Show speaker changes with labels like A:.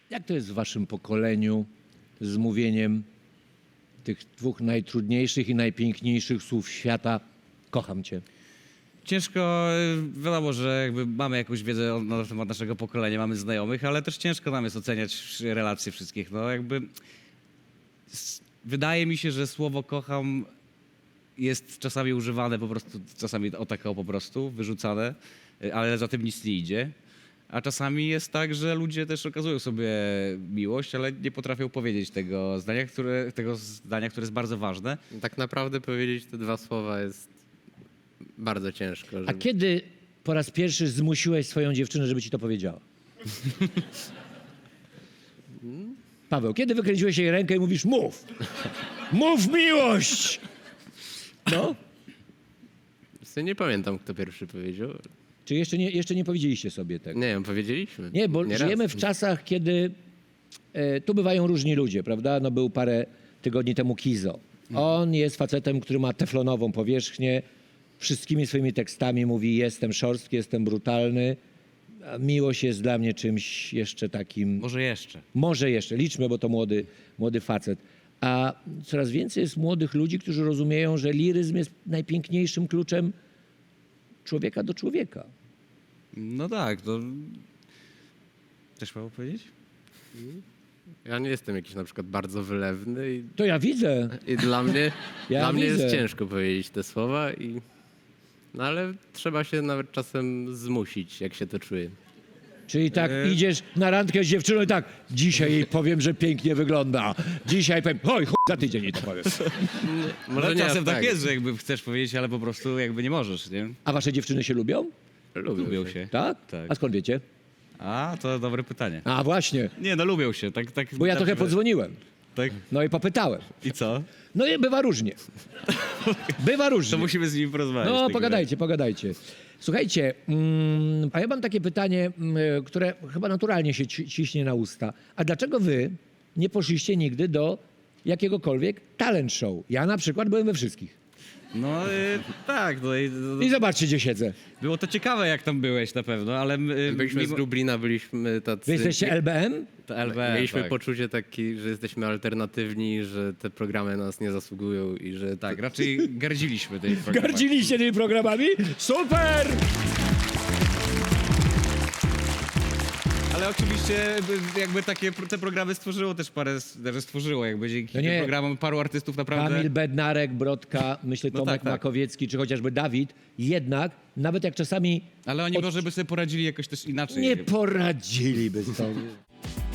A: Jak to jest w waszym pokoleniu z mówieniem tych dwóch najtrudniejszych i najpiękniejszych słów świata? Kocham cię.
B: Ciężko, wiadomo, że jakby mamy jakąś wiedzę na temat naszego pokolenia, mamy znajomych, ale też ciężko nam jest oceniać relacje wszystkich. No jakby wydaje mi się, że słowo kocham jest czasami używane po prostu, czasami o tak po prostu, wyrzucane, ale za tym nic nie idzie. A czasami jest tak, że ludzie też okazują sobie miłość, ale nie potrafią powiedzieć tego zdania, które jest bardzo ważne.
C: Tak naprawdę powiedzieć te dwa słowa jest bardzo ciężko.
A: A
C: Żeby...
A: kiedy po raz pierwszy zmusiłeś swoją dziewczynę, żeby ci to powiedziała? Paweł, kiedy wykręciłeś jej rękę i mówisz mów? Mów miłość! No?
C: Nie pamiętam, kto pierwszy powiedział.
A: Czy jeszcze nie powiedzieliście sobie tego?
C: Nie wiem, powiedzieliśmy.
A: Nie, bo
C: Nieraz.
A: żyjemy w czasach, kiedy tu bywają różni ludzie, prawda? No był parę tygodni temu Kizo. On jest facetem, który ma teflonową powierzchnię, wszystkimi swoimi tekstami mówi jestem szorstki, jestem brutalny. A miłość jest dla mnie czymś jeszcze takim... Może jeszcze, liczmy, bo to młody facet. A coraz więcej jest młodych ludzi, którzy rozumieją, że liryzm jest najpiękniejszym kluczem człowieka do człowieka.
B: No tak, to... Też mało powiedzieć?
C: Ja nie jestem jakiś na przykład bardzo wylewny
A: To ja widzę.
C: i dla mnie,
A: Ja
C: dla mnie
A: widzę.
C: jest ciężko powiedzieć te słowa. No ale trzeba się nawet czasem zmusić, jak się to czuje.
A: Czyli tak idziesz na randkę z dziewczyną i tak, dzisiaj jej powiem, że pięknie wygląda. Dzisiaj powiem, oj, za tydzień jej to powiem.
C: Może
B: No,
C: nie
B: czasem
C: aż
B: tak jest, że jakby chcesz powiedzieć, ale po prostu jakby nie możesz, nie?
A: A wasze dziewczyny się lubią?
B: Lubią się.
A: Tak?
B: Tak.
A: A skąd wiecie?
B: A, to dobre pytanie.
A: A właśnie,
B: Nie, no lubią się, tak.
A: bo ja trochę podzwoniłem.
B: Tak?
A: No i popytałem.
B: I co?
A: No i bywa różnie. Bywa różnie.
B: To musimy z nimi porozmawiać.
A: No,
B: w takim
A: pogadajcie. Słuchajcie, a ja mam takie pytanie, które chyba naturalnie się ciśnie na usta. A dlaczego wy nie poszliście nigdy do jakiegokolwiek talent show? Ja na przykład byłem we wszystkich.
B: No tak,
A: I zobaczcie, gdzie siedzę.
B: było to ciekawe, jak tam byłeś na pewno, ale...
C: Byliśmy z Lublina, byliśmy tacy...
A: Wy jesteście LBM?
B: To LBM,
C: Mieliśmy
B: tak.
C: poczucie takie, że jesteśmy alternatywni, że te programy nas nie zasługują i że...
B: Tak, raczej gardziliśmy tej programami.
A: Gardziliście tymi programami? Super!
B: Ale oczywiście jakby te programy stworzyło też stworzyło jakby dzięki
A: No nie.
B: tym programom paru artystów naprawdę...
A: Kamil Bednarek, Brodka, myślę
B: No
A: Tomek
B: tak.
A: Makowiecki, czy chociażby Dawid, jednak, nawet jak czasami
B: Ale oni może by sobie poradzili jakoś też inaczej.
A: nie poradziliby sobie.